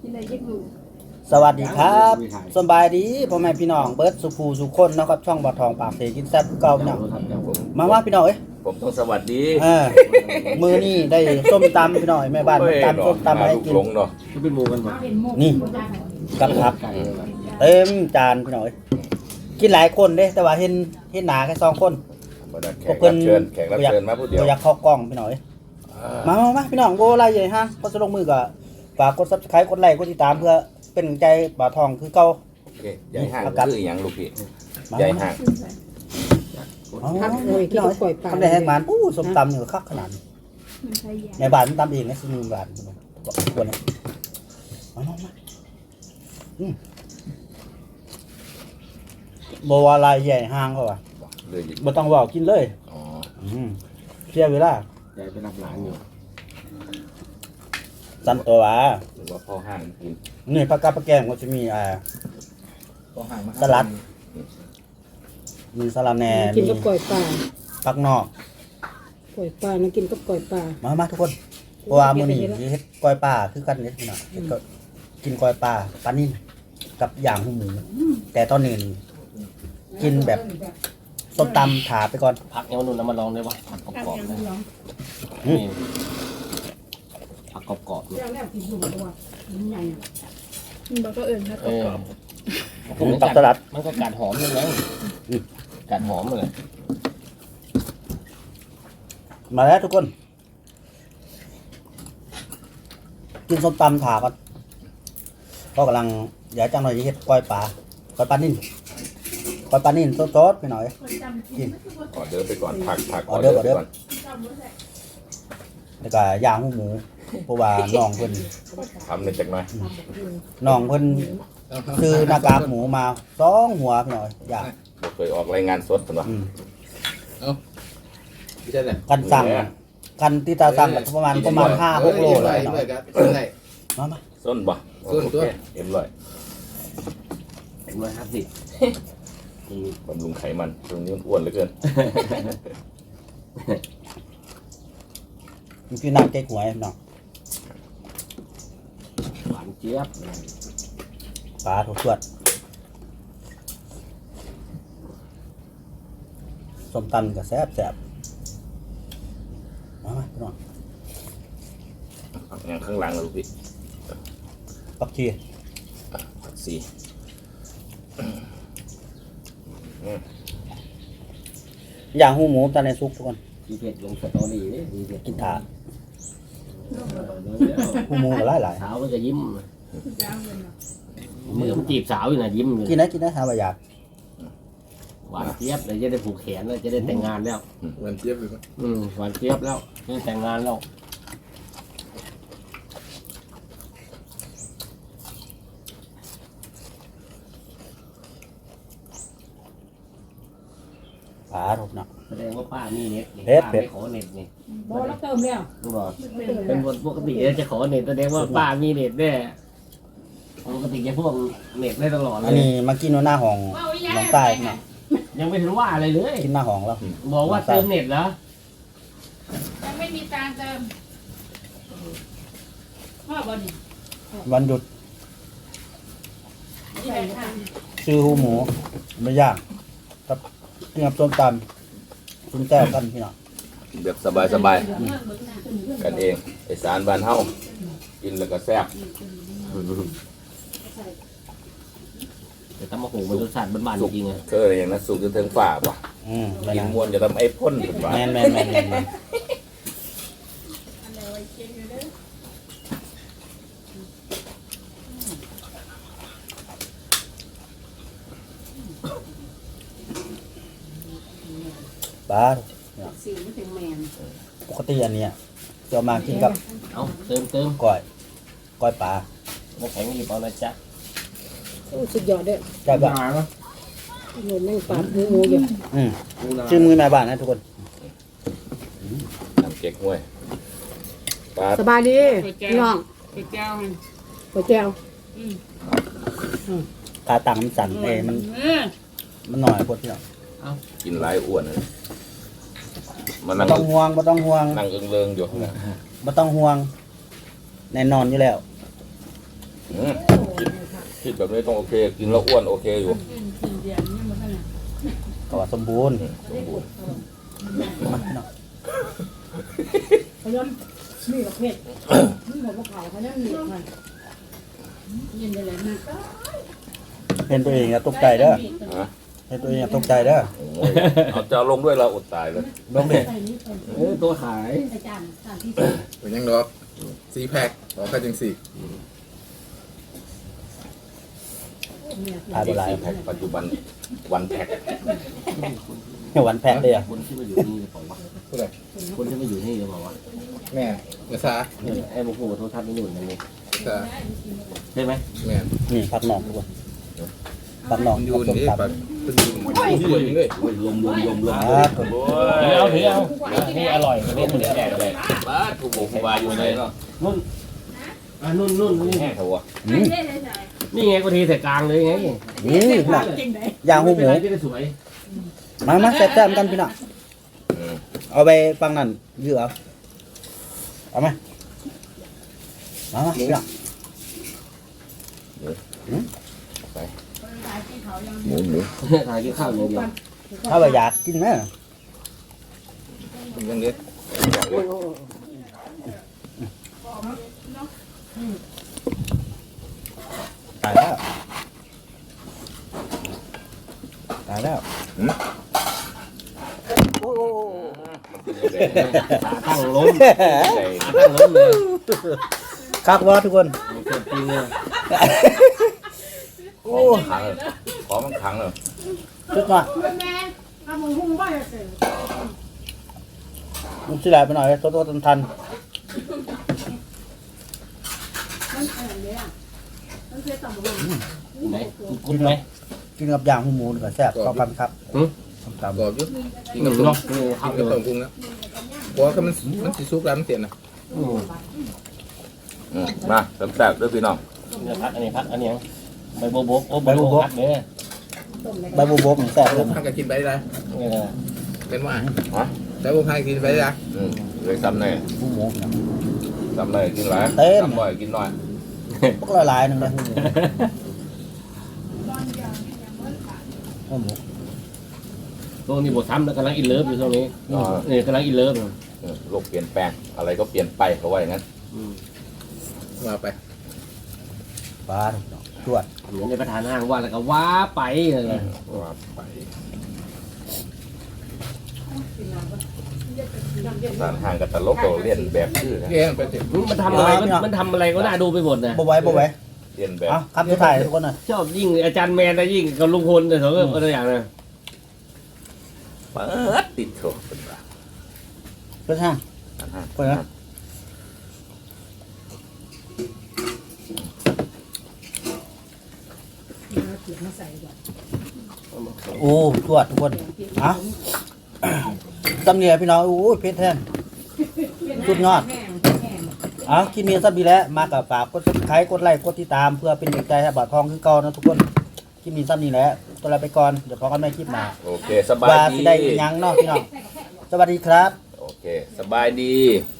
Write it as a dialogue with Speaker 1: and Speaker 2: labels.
Speaker 1: สวัสดีครับสบายดีพ่อแม่พี่น้องเบิร์ดสุภูสุคนนะครับช่องบ่อทองปากเสกินแซ่บเก่าพี่น้องมาว่าพี่น้องเอ้ย
Speaker 2: ผมต้องสวัสดี
Speaker 1: มือนี่ได้ส้มตำพี่น้องแม่บ้านตำส้มตำให้กิน
Speaker 2: เนาะ
Speaker 3: เป็นหมูกันบ่
Speaker 1: นี่กับผักเต็มจานพี่น้องเอ้ยกินหลายคนเด้แต่ว่าเห็นหนาแค่2คน
Speaker 2: แขกรับเชิญมาผู้เดียว
Speaker 1: อยากเข้ากล้องพี่น้องเอ้ยมาพี่น้องโบไล่ใหญ่ฮะก็จะลงมือก็ฝากกด Subscribe กดไลค์กดติดตามเพื่อเป็นใจบ่าวทองคือเก่า
Speaker 2: โอเคใหญ่ห่างคืออย่างลูกพี่ใหญ่ห่าง
Speaker 1: พี่น้องทำได้แห้งมันส้มตำนี่ก็คักขนาดในบ้านตำเองนะซื้อบ้านควรนะมาบ่ว่าลายใหญ่ห่างเขาว่ะบ่ต้องว่ากินเลยเสียเวลา
Speaker 3: ใหญ่เป็นหลานอยู่
Speaker 1: สั่นตัว
Speaker 2: หรือว่าพ่อห่างกิน
Speaker 1: นี่ผักกาดผักแกงก็จะมีสลัดมีสลัดแหน่
Speaker 4: กินกับก๋วยปลา
Speaker 1: ผักนอก
Speaker 4: ก๋วยปลานะกินกับก๋วยปลา
Speaker 1: มาทุกคนเพราะว่ามื้อนี้เฮ็ดก๋วยปลาคือกันเด้พี่น้องก็กินก๋วยปลาปลานิ่มกับย่างหูหมูแต่ตอนนี้กินแบบส้มตำถาไปก่อน
Speaker 3: ผักเอวนุ่นมาลองได้ป่ะผักกรอบๆนะผักกรอบๆเนี่ย
Speaker 4: มันก็เอื่นผักกรอบ
Speaker 1: ตักสลัด
Speaker 3: มันก็กัดหอมเลยนะกัดหอมเลย
Speaker 1: มาแล้วทุกคนกินส้มตำถาก่อนก็กำลังอยากจังหน่อยจะเฮ็ดก้อยปลานิ่มก้อยปลานิ่มสดๆไปหน่อยกิน
Speaker 2: ออเดินไปก่อนผัก
Speaker 1: ออเดินก่อนแล้วก็ย่างหูหมูเพราะว่าน้องเพิ่น
Speaker 2: ทำในจักหน่อย
Speaker 1: น้องเพิ่นซื้อหน้ากากหมูมา2หัวพี่น้อยอยาก
Speaker 2: เคยออกรายงานสดป่ะ
Speaker 1: กันสั่งกันที่ตาสั่งประมาณ5-6 โลเลยเนาะมา
Speaker 2: ส้นบ่ส้นตัว
Speaker 3: 150
Speaker 2: บำรุงไขมันตรงนี้มันอ้วนเหลือเกิน
Speaker 1: มีพี่น้ำเก๊กหวยเนาะ
Speaker 3: หวานเจี๊ยบ
Speaker 1: ปลาถูกสวดส้มตำก็แซ่บมาพี่น้อง
Speaker 2: อย่างข้างหลังลูกพี่
Speaker 1: ปักชีอย่างหูหมูตอนในซุกทุกคน
Speaker 3: มีเผ็ดลงสตอรี่นี่มีเผ็ด
Speaker 1: กินถาดหูหมูก็หลาย
Speaker 3: สาวมันจะยิ้มมือมันจีบสาวอยู่นะยิ้ม
Speaker 1: กินได้หาว่าอยาก
Speaker 3: หวานเจี๊ยบเลยจะได้ผูกแขนเลยจะได้แต่งงานแล้ว
Speaker 2: หวานเจี๊ยบเลย
Speaker 3: หวานเจี๊ยบแล้วจะได้แต่งงานแล้ว
Speaker 1: ปลาถูกเนาะ
Speaker 3: แสดงว่าป้ามีเน็ต
Speaker 1: ไม่
Speaker 4: ขอเน็ตนี่บอแล้วเติมแล้ว
Speaker 3: เป็นปกติจะขอเน็ตแสดงว่าป้ามีเน็ตแน่ปกติจะพวกเน็ตได้ตลอดเลย
Speaker 1: อันนี้มากินหน้าห้องน้องใต้เนาะ
Speaker 3: ยังไม่ถึงว่าอะไรเลย
Speaker 1: กินหน้าห้องแล้ว
Speaker 3: บอกว่าเติมเน็ตแล้ว
Speaker 4: ยังไม่มีตังเติม
Speaker 1: วันหยุดซื้อหูหมูไม่ยากครับกินกับส้มตำกินแซ่บกันพี่น้อง
Speaker 2: แบบสบายกันเองไอสารบ้านเฮากินแล้วก็แซ่บ
Speaker 3: แต่ตำมะหูมันรสชาติบ้านๆจริงๆ
Speaker 2: เคยอย่างนั้นสุกจนถึงฝ่าป่ะกินมวนจะทำไอ้พ่นถึงฝ่า
Speaker 1: แม่ปลา
Speaker 4: สีไม่ถึงแมน
Speaker 1: ปกติอันนี้จะมากินกับ
Speaker 3: เติม
Speaker 1: ก้อยปลา
Speaker 3: น้ำแข็งหยิบเอานะจ๊ะ
Speaker 4: สุดยอดเด้อ
Speaker 1: ได้บ้าง
Speaker 4: เงินแม่งปาดหมูอยู่
Speaker 1: ชื่อมือแม่บ้านนะทุกคน
Speaker 2: ทำเก๊กห้วย
Speaker 4: สบายดีน้องก๋วยเตี๋ยว
Speaker 1: ตาตังมันสั่นมันหน่อยพดที่เรา
Speaker 2: กินหลายอ้วนเลย
Speaker 1: บ่ต้องห่วง
Speaker 2: นั่งเอิงๆอยู่
Speaker 1: บ่ต้องห่วงแน่นอนอยู่แล้ว
Speaker 2: คิดแบบนี้ต้องโอเคกินแล้วอ้วนโอเคอยู่
Speaker 1: ก็ว่าสมบูรณ์
Speaker 2: สมบูรณ์
Speaker 1: มาพี่น้อง
Speaker 5: เขาย้อนมีกับเผ็ดมีหมดภูเขาเขาย้อนมีมันยินได้เลยมาก
Speaker 1: เห็นตัวเองอย่าตกใจเด้อ
Speaker 2: ฮะ
Speaker 1: เห็นตัวเองอย่าตกใจเด้อ
Speaker 2: โอ้ยเอาจะลงด้วยเราอดตายเลย
Speaker 1: ลงเด็ก
Speaker 5: ใส่นี้เป็น
Speaker 3: ตัวขาย
Speaker 5: อาจารย์สถานที่
Speaker 6: เป็นยังดอก4 แพ็คขอแค่จังสี่
Speaker 1: ทายบ่หลาย
Speaker 2: แพ็คปัจจุบันวันแพ็ค
Speaker 1: วันแพ็คเลยอ่ะ
Speaker 3: คนที่มาอยู่นี่หรือเปล่าวะ
Speaker 6: ผู้ใด
Speaker 3: คนที่มาอยู่นี่หรือเปล่าวะ
Speaker 6: แม่ภาษา
Speaker 3: ไอ้โมโหโทรทัศน์ไม่อยู่นั่นเอง
Speaker 6: ภาษา
Speaker 3: ใช่ไหม
Speaker 6: แม่
Speaker 1: นี่ผักหนองทุกคนผักหนอง
Speaker 6: มันอยู่
Speaker 1: กับส้ม
Speaker 6: นี่
Speaker 1: ตำ
Speaker 6: ปัดเป็นอยู่นี่เลย
Speaker 2: ลม
Speaker 1: อ่าตัว
Speaker 2: โอ้
Speaker 3: ถือเอานี่อร่อยนี่เหมือนแก่เลย
Speaker 2: บ้าถูกบอกบาอยู่ไหนเนาะ
Speaker 3: นุ่นนุ่นนี่
Speaker 2: แห้งเถอะวะ
Speaker 1: อืม
Speaker 3: นี่ไงกูทีใส่กลางเลยไง
Speaker 1: นี่พี่น้องย่างหูหมู
Speaker 3: จะได้สวย
Speaker 1: มาแซ่บๆกันพี่น้องเอาไปฟังนั่นยื้อเอาไหมมาพี่น้อง
Speaker 2: หมู
Speaker 3: ทานกินข้าวอย่างเดียว
Speaker 1: ถ้าไปอยากกินไหม
Speaker 6: เป็นยังเด็ด
Speaker 1: ตายแล้วตายแล้ว
Speaker 3: ขาตั้งล้ม
Speaker 2: ใจ
Speaker 3: ขาตั้งล้มเลย
Speaker 1: คักวะทุกคน
Speaker 3: เกิดจริงเลย
Speaker 2: โอ้ขังเลยขอมันขังเลย
Speaker 1: ชุดมา
Speaker 5: แม่ทำมึงหุ้มบ้าจะเสร็จ
Speaker 1: มันสิไหลไปหน่อยโตทัน
Speaker 5: มันอะไรเนี่ยมันเคยต่ำลง
Speaker 3: ไหนกุดไหม
Speaker 1: กินกับย่างหูหมูนี่ก็แซ่บเข้ากันครับส้มตำ
Speaker 6: กรอบอยู่กิน
Speaker 3: ห
Speaker 6: กับ
Speaker 3: นุ่ม
Speaker 6: ต้ม
Speaker 3: เนาะ
Speaker 6: กินกับต้มกุ้งนะเพราะว่ามันสิสุกแล้วมันเสียนะ
Speaker 2: มาแซ่บๆด้วยพี่น้อง
Speaker 3: เนี่ยพักอันนี้พักอันนี้ใบโบโบโอ้ใบโบโบพักเด้อ
Speaker 1: ใบบัวบกนี่แซ่บเลย
Speaker 6: ทางก็กินไปได้
Speaker 3: เนี่ย
Speaker 6: เป็นว่า
Speaker 2: ฮะ
Speaker 6: แต่บ่พายกินไปได้
Speaker 2: เลยซ้ำแน่
Speaker 1: หูหมูพี่น้อง
Speaker 2: ซ้ำเลยกินหลาย
Speaker 1: เต็ม
Speaker 2: ซ้ำบ่อยกินน้อย
Speaker 1: พวกละลายหนึ่งเลยหูหมู
Speaker 3: ช่วงนี้บทซ้ำแล้วกำลังอินเลิฟอยู่ช่วงนี้นี่กำลังอินเลิฟ
Speaker 2: โลกเปลี่ยนแปลงอะไรก็เปลี่ยนไปเขาว่าอย่างนั้น
Speaker 6: ว่าไป
Speaker 1: ปลาตรวจ
Speaker 3: เหมือนในประธานห้างว่าแล้วก็ว้าไปเลย
Speaker 2: ว่าไปสารห่างกับตลกเราเรียนแบบชื่อนะ
Speaker 6: เลี้ยงไปสิ
Speaker 3: มันทำอะไรมันทำอะไรก็น่าดูไปหมดนะ
Speaker 1: บ่ไหว้
Speaker 2: เรียนแบบ
Speaker 1: เอาคำสุดท้ายทุกคนหน่อย
Speaker 3: ชอบยิ่งอาจารย์แมนนะยิ่งกับลุงพลแต่สองก็ตัวอย่างนะ
Speaker 2: เปิดติดโถเป็นว่า
Speaker 1: เพื่อนห้าง
Speaker 2: สารห่าง
Speaker 1: เปิดนะโอ้ตรวจทุกคนเอาตำเนียพี่น้องโอ้ยเพชรแท่งสุดยอดเอาคลิปนี้สับดีแล้วมากับฝากกดซับสไครต์กดไลค์กดติดตามเพื่อเป็นกำลังใจให้บ่าวทองคือเก่านะทุกคนคลิปนี้สับนี้แหละตัวเราไปก่อนเดี๋ยวพอกันใหม่คลิปหน้า
Speaker 2: โอเคสบาย
Speaker 1: ว่า
Speaker 2: ดี
Speaker 1: สิได้อีหยังเนาะพี่น้องสวัสดีครับ
Speaker 2: โอเคสบายดี